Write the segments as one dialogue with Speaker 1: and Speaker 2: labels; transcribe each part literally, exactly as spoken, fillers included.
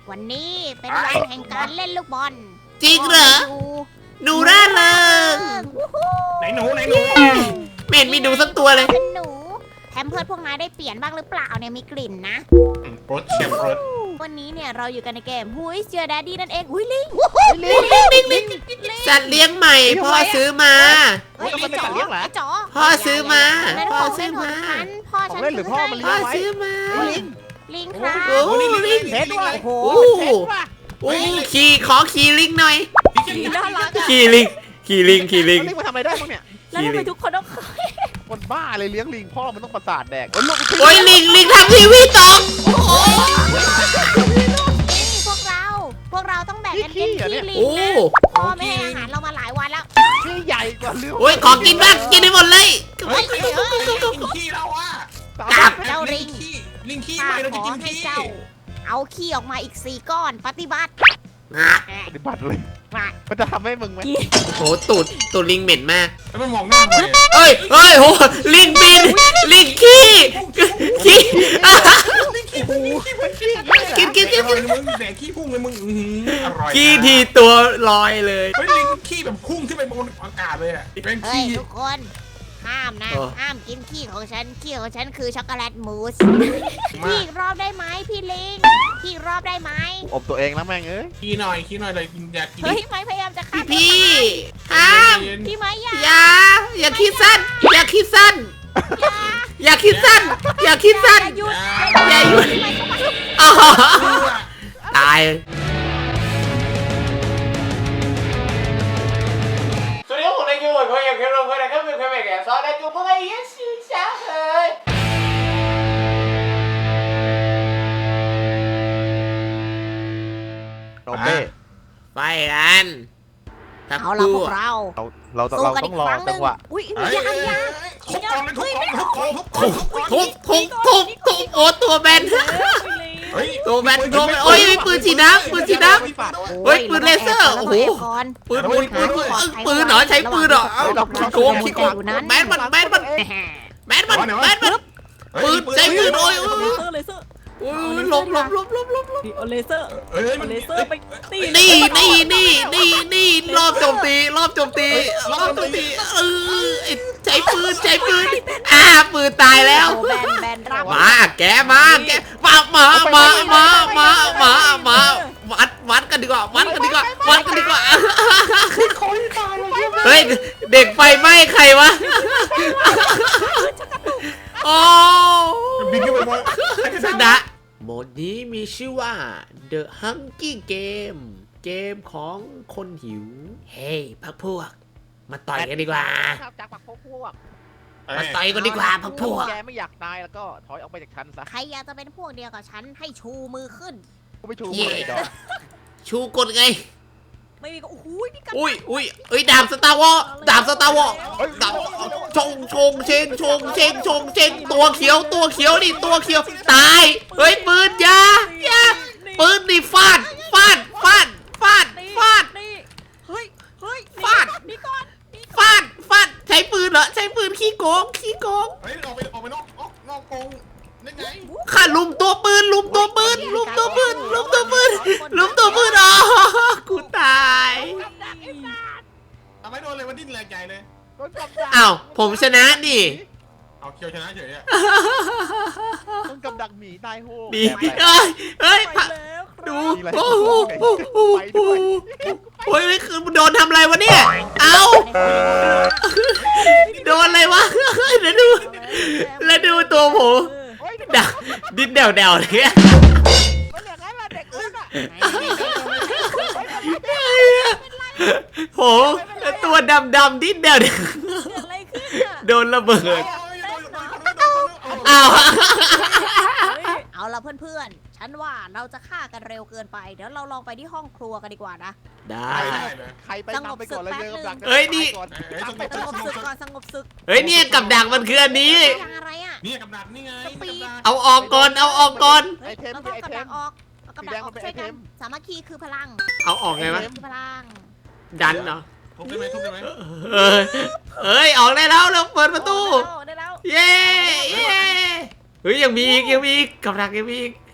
Speaker 1: วันนี้เป็นวันแห่งการเล่นลูกบอล
Speaker 2: จริงเหรอหนูร่าเริง
Speaker 3: ไหนหนูไหนหนู
Speaker 2: ไม่เห็นมีหนูสักตัวเลย
Speaker 1: เป็นหนูแถมเพื่อนพวกนายได้เปลี่ยนบ้างหรือเปล่าเนี่ยมีกลิ่นนะ
Speaker 3: รถเชียมรถ
Speaker 1: วันนี้เนี่ยเราอยู่กันในเกม Who is your daddy นั่นเองอุ้ยลิง
Speaker 2: ลิงลิงลิงลิงสัตว์เลี้ยงใหม่พ่อซื้อมา
Speaker 1: เฮ้ย
Speaker 4: มันเป็นสัตว์เลี้ยงเหรอ
Speaker 1: ไอ้จ๋อ
Speaker 2: พ่อซื้อมา
Speaker 1: นั่น
Speaker 2: พ่
Speaker 1: ข
Speaker 2: อ
Speaker 1: อง
Speaker 2: ซื้
Speaker 1: เล่
Speaker 2: อน
Speaker 1: ของ
Speaker 2: มา
Speaker 1: ฉันพ่อ
Speaker 4: ขอ
Speaker 1: ฉั
Speaker 4: ง
Speaker 1: น
Speaker 4: เล่นหรือพ่อมันเลี้ย
Speaker 2: พ่
Speaker 4: ง
Speaker 2: อซื้อมา
Speaker 4: ลิง
Speaker 1: ลิงครับ
Speaker 2: โอ้
Speaker 3: โอ้นี่ลิง
Speaker 4: เพชรด้วย
Speaker 1: โอ้โห
Speaker 2: โอ้โอ้ขี่ขอขี่ลิงหน่อย
Speaker 3: พี่เจน
Speaker 1: น่ารักอะ
Speaker 2: ขี่ลิงขี่ลิงขี่ลิง
Speaker 4: ลิงมาทำอะไรได้บ้างเนี่ย
Speaker 1: แล้วทำไมทุกคนต้อง
Speaker 4: คนบ้าเลยเลี้ยงลิงพ่อมันต้องประสาทแดกโอ้ยลูก
Speaker 2: โอ้ยลิงลิงทำทีวีตกโอ้
Speaker 1: นี่พวกเรา พวกเราต้องแบ่งกันกินขี้ลิง
Speaker 2: โอ้
Speaker 1: นะพ่อไม่ให้อาหารเรามาหลายวันแล้ว
Speaker 4: ที่ใหญ่กว่าลิง
Speaker 2: โอ้ยขอกินบ้างกินให้หมดเลย
Speaker 3: เฮ้ยลิงขี้เราอ่ะ
Speaker 2: จับ
Speaker 1: เจ้าลิง
Speaker 3: ขี้ลิงขี้
Speaker 1: ข้า
Speaker 3: ไปเรา
Speaker 1: ข
Speaker 3: จะ
Speaker 1: อ
Speaker 3: กิน
Speaker 1: ให้
Speaker 3: ขี้
Speaker 1: เจ้า เอาขี้ออกมาอีกสี่ก้อนปฏิบัติ
Speaker 2: อ่ะ
Speaker 4: ปฏิบัติเลย
Speaker 1: มา
Speaker 4: มันจะทำให้มึงไหม
Speaker 2: โหตูดตูดลิงเหม็นมาก
Speaker 3: แล้วมันมองหน้าเลย
Speaker 2: เอ้ยเอ้ยโหลิงบินลิงขี้ขี้อ่ะ
Speaker 3: ลิงขี้ลิงขี้มันขี้
Speaker 2: กินกินกิน
Speaker 3: อร่อยเลยมึงแดกขี้พุ่งเลยมึงอร่อย
Speaker 2: ขี้ทีตัวลอยเลย
Speaker 3: เฮ้ยลิงขี้แบบพุ่งขึ้นไปบนอากาศเลยอ่ะเป็น
Speaker 1: เฮ้ย
Speaker 3: ขี้
Speaker 1: ทุกคนห้ามนะ
Speaker 2: โอ้
Speaker 1: ห้ามกินขี้ของฉันขี้ของฉันคือช็อกโกแลตมูสพี่อีกรอบได้ไหมพี่ลิงพี่อีกรอบได้ไหม
Speaker 4: อบตัวเองนะแม่งเอ้ย
Speaker 3: ขี้หน่อยขี้หน่อยเลยอยากกิน
Speaker 1: เฮ้ยไม่พยายามจะฆ่า
Speaker 2: พี่
Speaker 1: ตัว
Speaker 2: พี่
Speaker 1: ตาย
Speaker 2: ห้าม
Speaker 1: พี่ไม้อย่า
Speaker 2: อย่าอย่าคิดสั้น อย่าคิดสั้น อย่าคิดสั้น อย่าคิดสั้น
Speaker 1: หยุด
Speaker 2: อย่าหยุด
Speaker 1: ไม่เข้ามา
Speaker 2: อ๋อตาย สวัสดีครับผมนายยูเหมือนคนอยากเห็นเราคนนะครับเป็นคนแบบแก่ซอสนายยูเมื่อไงยังชื่อช้าเลย
Speaker 4: โรเบ้
Speaker 2: ไปกันทั้ง
Speaker 1: เอาละ
Speaker 2: คู่
Speaker 1: พวกเรา
Speaker 4: เราเรา
Speaker 1: สู้
Speaker 4: เรา
Speaker 1: กัน
Speaker 4: ต้
Speaker 1: อี
Speaker 4: อก งรอ
Speaker 1: ครั้งห
Speaker 4: จั
Speaker 1: นึ่
Speaker 4: ง
Speaker 1: ง
Speaker 4: หวะ
Speaker 1: อุ้ย
Speaker 3: เฮ้ย
Speaker 1: ยังยัง
Speaker 3: ทุบกองเลยทุบกองทุบกองทุบกอง
Speaker 2: ทุบทุบทุบทุบโอ้ตัวแบน
Speaker 3: เฮ้ย
Speaker 2: ตัวแบนตัวแบนโอ้ยปืนฉีดน้ำปืนฉีดน้ำ เฮ้ยปืนเลเซอร์โอ้โห ปืนปืนปืนปืนเหรอใช้ปืนเหรอเอาขี้โกงขี้โกงแบนมันแบนมันแบนมันแบนมัน ปืนใช้ปืนโอ้ยโอ้ย
Speaker 5: เลเซอร์เลเซอร์
Speaker 2: โอ้ยหลบหลบหลบหลบหลบหลบ
Speaker 5: ดิเอาเลเซอร์
Speaker 3: เฮ้ย
Speaker 5: เอาเลเซอร์ไปตี
Speaker 2: นี่นี่นี่นี่นี่รอบโจมตีรอบโจมตีรอบโจมตีเออใช้ปืนใช้ปืนอ่าปืนตายแล้ว
Speaker 1: โอ้แบนแบนรับ
Speaker 2: มาแกมาแกมามามามามามามาวัดวัดกันดีกว่าวัดกันดีกว่าวัดกันดีกว่าเฮ้ยเด็กไฟไหม้ใครวะโอ้
Speaker 3: บินขึ้นไปบน
Speaker 2: ชนะโหมดนี้มีชื่อว่า The Hungry Game เกมของคนหิว เฮ้ยพักพวก มาต่อยกันดีกว่า
Speaker 4: จากปากพวกพวก
Speaker 2: มาต่อยกันดีกว่าพักพวก
Speaker 4: แกไม่อยากตายแล้วก็ถอยออกไปจากฉันซะ
Speaker 1: ใครอยากจะเป็นพวกเดียวกับฉันให้ชูมือขึ้น
Speaker 4: ก็ไม่ชู
Speaker 2: เย่
Speaker 4: มือดอก
Speaker 2: ชูกดไง
Speaker 5: ไม่มีก็โอ้โหพี่กัน
Speaker 2: อุ้ยอุ้ยเอ้ยดาบสตาร์วอลดาบสตาร์วอลดาบชงชงเชงชงเชงชงเชงตัวเขียวตัวเขียวนี่ตัวเขียวตาย เฮ้ยปืนอยาอยาปืนนี่ฟาดฟาดฟาดฟาดฟาด
Speaker 5: นี่เฮ้ยเฮ้ย
Speaker 2: ฟาด
Speaker 5: นี่ก่อน
Speaker 2: ฟาดฟาดใช้ปืนเหรอใช้ปืนขี้โกงขี้โกง
Speaker 3: เฮ้ยออกไปออกไปนอกนอกกรงได้ไง
Speaker 2: ข้าลุมตัวปืนลุมตัวปืนลุมตัวปืนลุมตัวปืนลุมตัวปืนอ๋อกูตาย
Speaker 3: ทำไมโดนเลยมันดิ้นแรงใหญ่เลย
Speaker 4: ต้นกับดัก
Speaker 2: อ้าวผมชนะนี่
Speaker 3: เอาเคียวชนะเฉยอ่ะ
Speaker 4: ต้นกับดักหมีตายโหง
Speaker 2: ดีเอ้ยเอ้ย
Speaker 5: ไปแล้วครับ
Speaker 2: ดูโอ้โหโอ้โหโอ้โหโอ้ยคือโดนทำอะไรวะเนี่ยเอาโดนอะไรวะแล้วดูแล้วดูตัวผม
Speaker 5: เออ
Speaker 2: ดาดิ้นเดวเดวๆเนี่ย
Speaker 4: มันอย่างนั้นแหละเด็กอ้วนอ่ะ
Speaker 2: โหตัวดำดำๆดิ้นเดวเดว
Speaker 5: เกิดอะไรขึ้นอ่ะ
Speaker 2: โดนระเบิด
Speaker 3: เอา
Speaker 2: อ้าว
Speaker 1: เอาละเพื่อนๆ ฉันว่าเราจะฆ่ากันเร็วเกินไป เดี๋ยวเราลองไปที่ห้องครัวกันดีกว่านะ
Speaker 2: ได้
Speaker 3: ได้เลย
Speaker 4: ใครไปนำไปก่อนเลยเดิมดัก
Speaker 2: เฮ้ยนี่
Speaker 4: ก่อน
Speaker 1: สงบศึกก่อนสงบศึก
Speaker 2: เฮ้ยเนี่ยกับดักมันคืออันนี้
Speaker 1: ยังอะไรอ่ะ
Speaker 3: นี่กับดักนี่ไง
Speaker 2: เอาออกก่อนเอาออกก่อน
Speaker 1: เฮ้ยเราต้องกำลังออกเอากำลังออกช่วยกันสามัคคีคือพลัง
Speaker 2: เอาออกไงวะ
Speaker 1: คือพลัง
Speaker 2: ดันเหรอ
Speaker 3: ทุบได้ไหมทุบได้ไหม
Speaker 2: เอ้ยเอ้ยออกได้แล้วเราเปิดประตู
Speaker 5: ได้แล้ว
Speaker 2: เย้เย้เฮ้ยยังมีอีกยังมีอีกกับดักยังมีอีก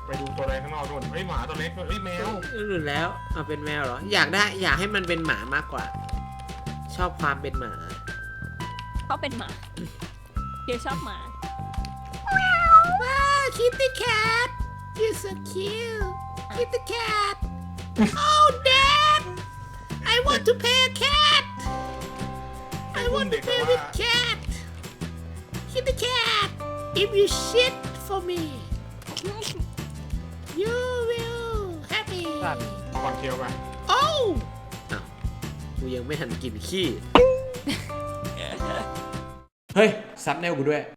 Speaker 3: ไปดูตัวอะไรข้างนอกนู่นเฮ้ยหมาตัวเล็กเฮ้ยแมว
Speaker 2: หรือแล้วเอาเป็นแมวเหรอ อยากได้อยากให้มันเป็นหมามากกว่า ชอบความเป็นหมา
Speaker 5: เขาเป็นหมาเดี๋ยวชอบหมา
Speaker 2: ว้าว Kitty Cat you're so cute Kitty Cat oh Dad I want to play a cat I want to play with cat Kitty Cat if you shit for me you will happy
Speaker 3: ก่อนเคียวไป
Speaker 2: โอ้วอ้าวกูยังไม่ทันกินขี้ เฮ้ย ซับแนวกูด้วย